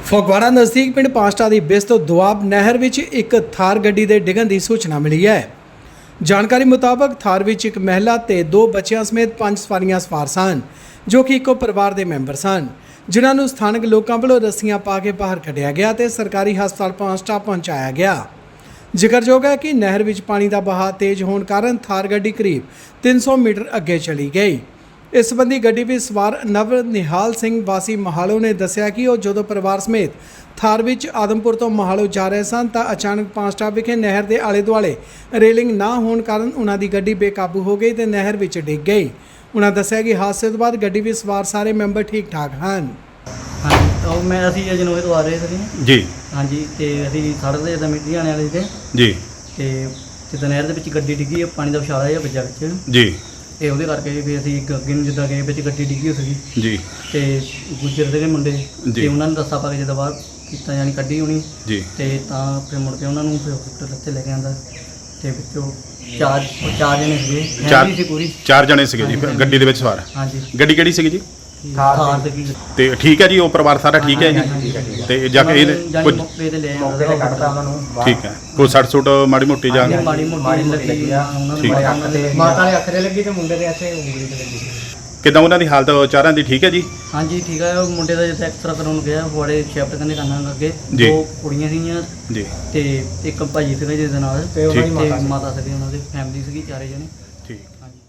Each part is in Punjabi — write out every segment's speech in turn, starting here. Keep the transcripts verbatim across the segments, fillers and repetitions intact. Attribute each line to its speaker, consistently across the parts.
Speaker 1: ਫਗਵਾੜਾ ਨਜ਼ਦੀਕ ਪਿੰਡ ਪਾਸਟਾ ਦੀ ਬਿਸ ਤੋਂ ਦੁਆਬ ਨਹਿਰ ਵਿੱਚ ਇੱਕ ਥਾਰ ਗੱਡੀ ਦੇ ਡਿੱਗਣ ਦੀ ਸੂਚਨਾ ਮਿਲੀ ਹੈ। ਜਾਣਕਾਰੀ ਮੁਤਾਬਕ ਥਾਰ ਵਿੱਚ ਇੱਕ ਮਹਿਲਾ ਤੇ ਦੋ ਬੱਚਿਆਂ ਸਮੇਤ ਪੰਜ ਸਵਾਰੀਆਂ ਸਵਾਰ ਸਨ, ਜੋ ਕਿ ਇੱਕੋ ਪਰਿਵਾਰ ਦੇ ਮੈਂਬਰ ਸਨ, ਜਿਨ੍ਹਾਂ ਨੂੰ ਸਥਾਨਕ ਲੋਕਾਂ ਵੱਲੋਂ ਰੱਸੀਆਂ ਪਾ ਕੇ ਬਾਹਰ ਕੱਢਿਆ ਗਿਆ ਤੇ ਸਰਕਾਰੀ ਹਸਪਤਾਲ ਪਾਸਟਾ ਪਹੁੰਚਾਇਆ ਗਿਆ। ਜ਼ਿਕਰਯੋਗ ਹੈ ਕਿ ਨਹਿਰ ਵਿੱਚ ਪਾਣੀ ਦਾ ਵਹਾਅ ਤੇਜ਼ ਹੋਣ ਕਾਰਨ ਥਾਰ ਗੱਡੀ ਕਰੀਬ ਤਿੰਨ ਸੌ ਮੀਟਰ ਅੱਗੇ ਚਲੀ ਗਈ। ਇਸ ਸੰਬੰਧੀ ਗੱਡੀ ਵਿੱਚ ਸਵਾਰ ਨਵ ਨਿਹਾਲ ਸਿੰਘ ਵਾਸੀ ਮਹਾਲੋ ਨੇ ਦੱਸਿਆ ਕਿ ਉਹ ਜਦੋਂ ਪਰਿਵਾਰ ਸਮੇਤ ਥਾਰ ਵਿੱਚ ਆਦਮਪੁਰ ਤੋਂ ਮਹਾਲੋ ਜਾ ਰਹੇ ਸਨ ਤਾਂ ਅਚਾਨਕ ਪਾਸਟਾ ਵਿਖੇ ਨਹਿਰ ਦੇ ਆਲੇ ਦੁਆਲੇ ਰੇਲਿੰਗ ਨਾ ਹੋਣ ਕਾਰਨ ਉਹਨਾਂ ਦੀ ਗੱਡੀ ਬੇਕਾਬੂ ਹੋ ਗਈ ਤੇ ਨਹਿਰ ਵਿੱਚ ਡਿੱਗ ਗਈ। ਉਹਨਾਂ ਦੱਸਿਆ ਕਿ ਹਾਦਸੇ ਤੋਂ ਬਾਅਦ ਗੱਡੀ ਵਿੱਚ ਸਵਾਰ ਸਾਰੇ ਮੈਂਬਰ ਠੀਕ ਠਾਕ ਹਨ।
Speaker 2: ਹਾਂਜੀ, ਉਹ ਮੈਂ ਅਸੀਂ ਅਜਨੋਏ ਤੋਂ ਆ ਰਹੇ ਸੀ
Speaker 3: ਜੀ।
Speaker 2: ਹਾਂਜੀ, ਤੇ ਅਸੀਂ ਸੜਕ ਤੇ ਜਿੱਦਾਂ ਮਿੱਟੀ ਆਣੇ ਵਾਲੇ ਸੀ
Speaker 3: ਜੀ।
Speaker 2: ਤੇ ਜਿੱਦਾਂ ਨਹਿਰ ਦੇ ਵਿੱਚ ਗੱਡੀ ਡਿੱਗੀ, ਪਾਣੀ ਦਾ ਵਿਛਾਲਾ ਜਿਹਾ ਵੱਜਾ ਵਿੱਚ
Speaker 3: ਜੀ।
Speaker 2: ਤੇ ਉਹਦੇ ਕਰਕੇ ਫਿਰ ਅਸੀਂ ਇੱਕ ਅੱਗੇ ਨੂੰ ਜਿੱਦਾਂ ਗਏ ਵਿੱਚ ਗੱਡੀ ਡਿੱਗੀ ਹੋ ਸੀਗੀ
Speaker 3: ਜੀ।
Speaker 2: ਤੇ ਗੁੱਜਰ ਦੇ ਮੁੰਡੇ
Speaker 3: ਜੀ।
Speaker 2: ਤੇ ਉਹਨਾਂ ਨੇ ਦੱਸਾ ਪਾ ਕੇ ਜਿੱਦਾਂ ਬਾਹਰ ਕੀਤਾ, ਯਾਨੀ ਕੱਢੀ ਹੋਣੀ
Speaker 3: ਜੀ।
Speaker 2: ਤੇ ਤਾਂ ਫਿਰ ਮੁੜ ਕੇ ਉਹਨਾਂ ਨੂੰ ਫਿਰ ਹਸਪੀਟਲ ਇੱਥੇ ਲੈ ਕੇ ਆਂਦਾ ਤੇ ਵਿੱਚੋਂ ਚਾਰ ਉਹ ਚਾਰ ਜਣੇ ਸੀਗੇ, ਫੈਮਿਲੀ ਸੀ ਪੂਰੀ।
Speaker 3: ਚਾਰ ਜਣੇ ਸੀਗੇ ਜੀ ਗੱਡੀ ਦੇ ਵਿੱਚ ਸਵਾਰ।
Speaker 2: ਹਾਂਜੀ।
Speaker 3: ਗੱਡੀ ਕਿਹੜੀ ਸੀਗੀ ਜੀ?
Speaker 2: ਥਾਰ ਸੀਗੀ।
Speaker 3: ਤੇ ਠੀਕ ਹੈ ਜੀ, ਉਹ ਪਰਿਵਾਰ ਸਾਰਾ ਠੀਕ ਹੈ ਜੀ? ਤੇ ਜਾ ਕੇ ਇਹ ਕੁਝ
Speaker 2: ਮੌਕੇ ਤੇ ਲੈ ਆਂਦਾ ਉਹਨਾਂ ਨੂੰ।
Speaker 3: ਠੀਕ ਹੈ, ਕੋਈ ਸੱਟ ਸੁੱਟ ਮਾੜੀ ਮੋਟੀ ਜਾਂ
Speaker 2: ਮਾੜੀ ਮੋਟੀ ਲੱਗੀ ਆ ਉਹਨਾਂ
Speaker 3: ਠੀਕ ਹੈ।
Speaker 2: ਨੂੰ, ਮਾਤਾ ਦੇ ਅੱਖ ਤੇ ਲੱਗੀ ਤੇ ਮੁੰਡੇ ਦੇ ਇੱਥੇ ਉਂਗਲੀ ਤੇ ਲੱਗੀ।
Speaker 3: ਕਿੱਦਾਂ ਉਹਨਾਂ ਦੀ ਹਾਲਤ ਚਾਰਾਂ ਦੀ ਠੀਕ ਹੈ ਜੀ?
Speaker 2: ਹਾਂਜੀ ਠੀਕ ਹੈ। ਉਹ ਮੁੰਡੇ ਦਾ ਜਿੱਥੇ ਐਕਸਰਾ ਕਰਾਉਣ ਗਿਆ ਫੋੜੇ ਸ਼ਿਫਟ ਕਰਨੇ ਕਰਨਾ ਅੱਗੇ,
Speaker 3: ਜੀ।
Speaker 2: ਦੋ ਕੁੜੀਆਂ ਸੀਗੀਆਂ ਜੀ ਤੇ ਇੱਕ ਭਾਜੀ ਸੀਗਾ ਜਿਹਦੇ ਨਾਲ ਤੇ ਉਹਨਾਂ ਦੀ ਮਾਤਾ ਸੀਗੀ, ਉਹਨਾਂ ਦੀ ਫੈਮਿਲੀ ਸੀਗੀ ਚਾਰੇ ਜਣੇ।
Speaker 3: ਠੀਕ।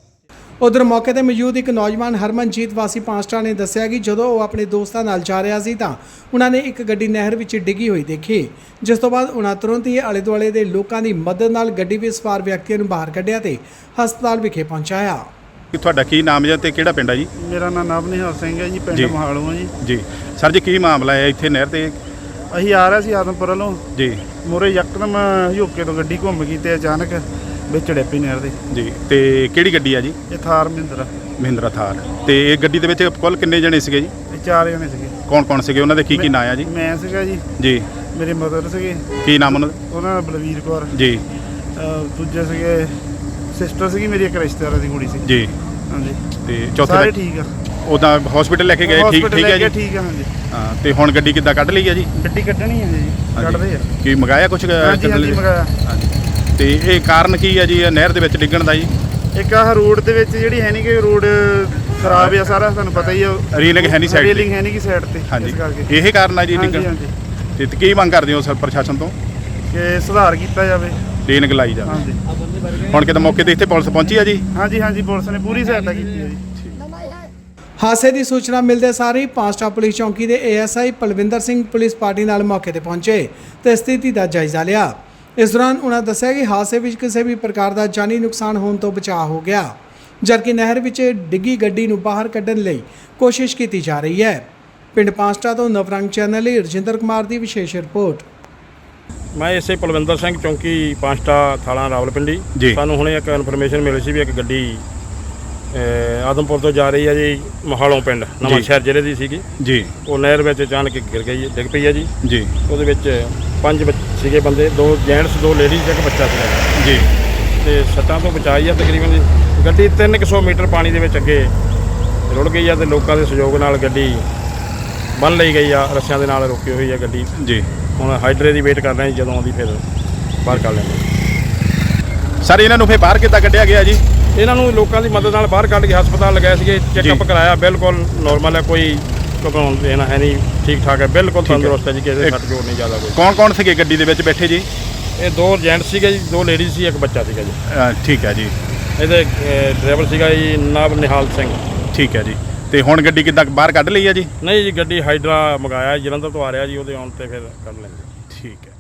Speaker 1: ਉਧਰ ਮੌਕੇ ਤੇ ਮੌਜੂਦ ਇੱਕ ਨੌਜਵਾਨ ਹਰਮਨਜੀਤ ਵਾਸੀ ਪਾਸਟਾ ਨੇ ਦੱਸਿਆ ਕਿ ਜਦੋਂ ਉਹ ਆਪਣੇ ਦੋਸਤਾਂ ਨਾਲ ਜਾ ਰਿਹਾ ਸੀ ਤਾਂ ਉਹਨਾਂ ਨੇ ਇੱਕ ਗੱਡੀ ਨਹਿਰ ਵਿੱਚ ਡਿੱਗੀ ਹੋਈ ਦੇਖੀ, ਜਿਸ ਤੋਂ ਬਾਅਦ ਉਹਨਾਂ ਤੁਰੰਤ ਹੀ ਆਲੇ ਦੁਆਲੇ ਦੇ ਲੋਕਾਂ ਦੀ ਮਦਦ ਨਾਲ ਗੱਡੀ ਵਿੱਚ ਸਵਾਰ ਵਿਅਕਤੀਆਂ ਨੂੰ ਬਾਹਰ ਕੱਢਿਆ ਤੇ ਹਸਪਤਾਲ ਵਿਖੇ ਪਹੁੰਚਾਇਆ।
Speaker 3: ਕਿ ਤੁਹਾਡਾ ਕੀ ਨਾਮ ਹੈ ਤੇ ਕਿਹੜਾ ਪਿੰਡ ਹੈ ਜੀ?
Speaker 4: ਮੇਰਾ ਨਾਮ ਨਵ ਨਿਹਾਲ ਸਿੰਘ ਹੈ ਜੀ, ਪਿੰਡ ਮਹਾਲੋ ਹੈ ਜੀ।
Speaker 3: ਜੀ ਸਰ ਜੀ, ਕੀ ਮਾਮਲਾ ਹੈ ਇੱਥੇ ਨਹਿਰ ਤੇ?
Speaker 4: ਅਸੀਂ ਆ ਰਹੇ ਸੀ ਆਦਮਪੁਰ ਵੱਲੋਂ
Speaker 3: ਜੀ।
Speaker 4: ਮੋਰੇ ਯਕਦਮ ਹਿਓਕੇ ਤੋਂ ਗੱਡੀ ਘੁੰਮ ਗਈ ਤੇ ਅਚਾਨਕ ਵਿੱਚ ਡਿੱਪੀ ਨਹਿਰ ਦੇ।
Speaker 3: ਜੀ। ਤੇ ਕਿਹੜੀ ਗੱਡੀ ਆ ਜੀ?
Speaker 4: ਇਹ ਥਾਰ ਮਹਿੰਦਰਾ
Speaker 3: ਮਹਿੰਦਰਾ ਥਾਰ। ਤੇ ਇਹ ਗੱਡੀ ਦੇ ਵਿੱਚ ਕੁੱਲ ਕਿੰਨੇ ਜਣੇ ਸੀਗੇ ਜੀ?
Speaker 4: ਇਹ ਚਾਰ ਜਣੇ ਸੀਗੇ।
Speaker 3: ਕੌਣ ਕੌਣ ਸੀਗੇ, ਉਹਨਾਂ ਦੇ ਕੀ ਕੀ ਨਾਂ ਆ ਜੀ?
Speaker 4: ਮੈਂ ਸੀਗਾ ਜੀ।
Speaker 3: ਜੀ।
Speaker 4: ਮੇਰੇ ਮਦਰ ਸੀਗੇ।
Speaker 3: ਕੀ ਨਾਮ ਉਹਨਾਂ ਦਾ?
Speaker 4: ਉਹਨਾਂ ਦਾ ਬਲਵੀਰ ਕੌਰ
Speaker 3: ਜੀ।
Speaker 4: ਦੂਜੇ ਸੀਗੇ ਸਿਸਟਰ ਸੀਗੀ ਮੇਰੀ, ਇੱਕ ਰਿਸ਼ਤੇਦਾਰਾਂ ਦੀ ਕੁੜੀ ਸੀ
Speaker 3: ਜੀ।
Speaker 4: ਹਾਂਜੀ।
Speaker 3: ਤੇ ਚੌਥੇ
Speaker 4: ਸਾਰੇ ਠੀਕ ਆ।
Speaker 3: ਉਦਾਂ ਹਸਪੀਟਲ ਲੈ ਕੇ ਗਏ? ਠੀਕ ਠੀਕ ਹੈ ਜੀ।
Speaker 4: ਠੀਕ ਆ। ਹਾਂਜੀ।
Speaker 3: ਹਾਂ। ਤੇ ਹੁਣ ਗੱਡੀ ਕਿੱਦਾਂ ਕੱਢ ਲਈ ਹੈ ਜੀ?
Speaker 4: ਗੱਡੀ ਕੱਢਣੀ ਹੈ ਜੀ, ਕੱਢਦੇ ਆ।
Speaker 3: ਕੀ ਮੰਗਾਇਆ ਕੁਝ?
Speaker 4: ਹਾਂਜੀ ਹਾਂਜੀ ਮੰਗਾਇਆ।
Speaker 3: ਤੇ ਇਹ ਕਾਰਨ ਕੀ ਹੈ ਜੀ ਇਹ ਨਹਿਰ ਦੇ ਵਿੱਚ ਡਿੱਗਣ ਦਾ ਜੀ?
Speaker 4: ਇੱਕ ਆਹ ਰੋਡ ਦੇ ਵਿੱਚ ਜਿਹੜੀ ਹੈ ਨਹੀਂ ਕਿ ਰੋਡ ਖਰਾਬ ਆ ਸਾਰਾ, ਤੁਹਾਨੂੰ ਪਤਾ ਹੀ ਆ।
Speaker 3: ਰੇਲਿੰਗ ਹੈ ਨਹੀਂ ਸਾਈਡ ਤੇ?
Speaker 4: ਰੇਲਿੰਗ ਹੈ ਨਹੀਂ ਕਿ ਸਾਈਡ ਤੇ।
Speaker 3: ਹਾਂਜੀ।
Speaker 4: ਇਸ ਕਰਕੇ
Speaker 3: ਇਹ ਕਾਰਨ ਆ ਜੀ
Speaker 4: ਹਾਂਜੀ
Speaker 3: ਡਿੱਗਣ?
Speaker 4: ਹਾਂਜੀ।
Speaker 3: ਤੇ ਕੀ ਮੰਗ ਕਰਦੇ ਹੋ ਸਰ ਪ੍ਰਸ਼ਾਸਨ ਤੋਂ?
Speaker 4: ਕਿ ਸੁਧਾਰ ਕੀਤਾ ਜਾਵੇ,
Speaker 3: ਰੇਲਿੰਗ ਲਾਈ ਜਾਵੇ।
Speaker 4: ਹਾਂਜੀ।
Speaker 3: ਹੁਣ ਕਿਤੇ ਮੌਕੇ ਤੇ ਇੱਥੇ ਪੁਲਿਸ ਪਹੁੰਚੀ ਆ ਜੀ?
Speaker 4: ਹਾਂਜੀ ਹਾਂਜੀ, ਪੁਲਿਸ ਨੇ ਪੂਰੀ ਸਹਾਇਤਾ ਕੀਤੀ ਹੈ ਜੀ।
Speaker 1: ਹਾਦਸੇ ਦੀ ਸੂਚਨਾ ਮਿਲਦੇ ਸਾਰ ਹੀ ਪਾਸਟਾ ਪੁਲਿਸ ਚੌਂਕੀ ਦੇ A S I Palwinder Singh police party ਨਾਲ ਮੌਕੇ ਤੇ ਪਹੁੰਚੇ ਤੇ ਸਥਿਤੀ ਦਾ ਜਾਇਜ਼ਾ ਲਿਆ। ਇਸ ਦੌਰਾਨ ਉਹਨਾਂ ਦੱਸਿਆ ਕਿ ਹਾਦਸੇ ਵਿੱਚ ਕਿਸੇ ਵੀ ਪ੍ਰਕਾਰ ਦਾ ਜਾਨੀ ਨੁਕਸਾਨ ਹੋਣ ਤੋਂ ਬਚਾਅ ਹੋ ਗਿਆ, ਜਦਕਿ ਨਹਿਰ ਵਿੱਚ ਡਿੱਗੀ ਗੱਡੀ ਨੂੰ ਬਾਹਰ ਕੱਢਣ ਲਈ ਕੋਸ਼ਿਸ਼ ਕੀਤੀ ਜਾ ਰਹੀ ਹੈ। ਪਿੰਡ ਪਾਸਟਾ ਤੋਂ ਨਵਰੰਗ ਚੈਨਲ ਲਈ ਰਜਿੰਦਰ ਕੁਮਾਰ ਦੀ ਵਿਸ਼ੇਸ਼ ਰਿਪੋਰਟ।
Speaker 5: ਮੈਂ ਇਸੇ ਪਲਵਿੰਦਰ ਸਿੰਘ ਚੌਂਕੀ ਪਾਸਟਾ ਥਾਣਾ ਰਾਵਲਪਿੰਡੀ। ਸਾਨੂੰ ਹੁਣੇ ਇੱਕ ਇਨਫੋਰਮੇਸ਼ਨ ਮਿਲੀ ਸੀ ਵੀ ਇੱਕ ਗੱਡੀ ਆਦਮਪੁਰ ਤੋਂ ਜਾ ਰਹੀ ਹੈ ਜੀ ਮਹਾਲੋਂ ਪਿੰਡ ਨਵਾਂ ਸ਼ਹਿਰ ਜ਼ਿਲ੍ਹੇ ਦੀ ਸੀਗੀ ਜੀ। ਉਹ ਨਹਿਰ ਵਿੱਚ ਅਚਾਨਕ ਗਿਰ ਗਈ, ਡਿੱਗ ਪਈ ਹੈ ਜੀ। ਜੀ। ਉਹਦੇ ਵਿੱਚ ਪੰਜ ਸੀਗੇ ਬੰਦੇ, ਦੋ ਜੈਂਟਸ ਦੋ ਲੇਡੀਜ਼ ਇੱਕ ਬੱਚਾ ਸੀਗਾ ਜੀ। ਤੇ ਸੱਟਾਂ ਤੋਂ ਬਚਾਈ ਆ ਤਕਰੀਬਨ ਜੀ। ਗੱਡੀ ਤਿੰਨ ਕੁ ਸੌ ਮੀਟਰ ਪਾਣੀ ਦੇ ਵਿੱਚ ਅੱਗੇ ਰੁੜ ਗਈ ਆ ਤੇ ਲੋਕਾਂ ਦੇ ਸਹਿਯੋਗ ਨਾਲ ਗੱਡੀ ਬੰਨ੍ਹ ਲਈ ਗਈ ਆ, ਰੱਸਿਆਂ ਦੇ ਨਾਲ ਰੋਕੀ ਹੋਈ ਆ ਗੱਡੀ ਜੀ। ਹੁਣ ਹਾਈਡਰੇ ਦੀ ਵੇਟ ਕਰ ਰਹੇ ਜਦੋਂ ਆਉਂਦੀ ਫਿਰ ਬਾਹਰ ਕੱਢ ਲੈਂਦੇ।
Speaker 3: ਸਰ ਇਹਨਾਂ ਨੂੰ ਫਿਰ ਬਾਹਰ ਕਿੱਦਾਂ ਕੱਢਿਆ ਗਿਆ ਜੀ?
Speaker 5: ਇਹਨਾਂ ਨੂੰ ਲੋਕਾਂ ਦੀ ਮਦਦ ਨਾਲ ਬਾਹਰ ਕੱਢ ਕੇ ਹਸਪਤਾਲ ਲਗਾਏ ਸੀਗੇ, ਚੈੱਕਅਪ ਕਰਾਇਆ, ਬਿਲਕੁਲ ਨੋਰਮਲ ਹੈ, ਕੋਈ ਘਬਰਾਉਣ ਦੇਣਾ ਹੈ ਨਹੀਂ, ਠੀਕ ਠਾਕ ਹੈ, ਬਿਲਕੁਲ ਤੰਦਰੁਸਤ ਹੈ ਜੀ, ਕਿਸੇ ਦੇ ਸੱਟ ਜੋੜ ਨਹੀਂ ਜ਼ਿਆਦਾ ਕੋਈ।
Speaker 3: ਕੌਣ ਕੌਣ ਸੀਗੇ ਗੱਡੀ ਦੇ ਵਿੱਚ ਬੈਠੇ ਜੀ?
Speaker 5: ਇਹ ਦੋ ਜੈਂਟ ਸੀਗੇ ਜੀ, ਦੋ ਲੇਡੀਜ਼ ਸੀ, ਇੱਕ ਬੱਚਾ ਸੀਗਾ ਜੀ।
Speaker 3: ਠੀਕ ਹੈ ਜੀ।
Speaker 5: ਇਹਦੇ ਡਰਾਈਵਰ ਸੀਗਾ ਜੀ ਨਵ ਨਿਹਾਲ ਸਿੰਘ।
Speaker 3: ਠੀਕ ਹੈ ਜੀ। ਤੇ ਹੁਣ ਗੱਡੀ ਕਿੱਦਾਂ ਬਾਹਰ ਕੱਢ ਲਈ ਹੈ ਜੀ?
Speaker 5: ਨਹੀਂ ਜੀ, ਗੱਡੀ ਹਾਈਡਰਾ ਮੰਗਾਇਆ ਜਲੰਧਰ ਤੋਂ ਆ ਰਿਹਾ ਜੀ, ਉਹਦੇ ਆਉਣ ਤੇ ਫਿਰ ਕੱਢ ਲੈਂਦੇ।
Speaker 3: ਠੀਕ ਹੈ।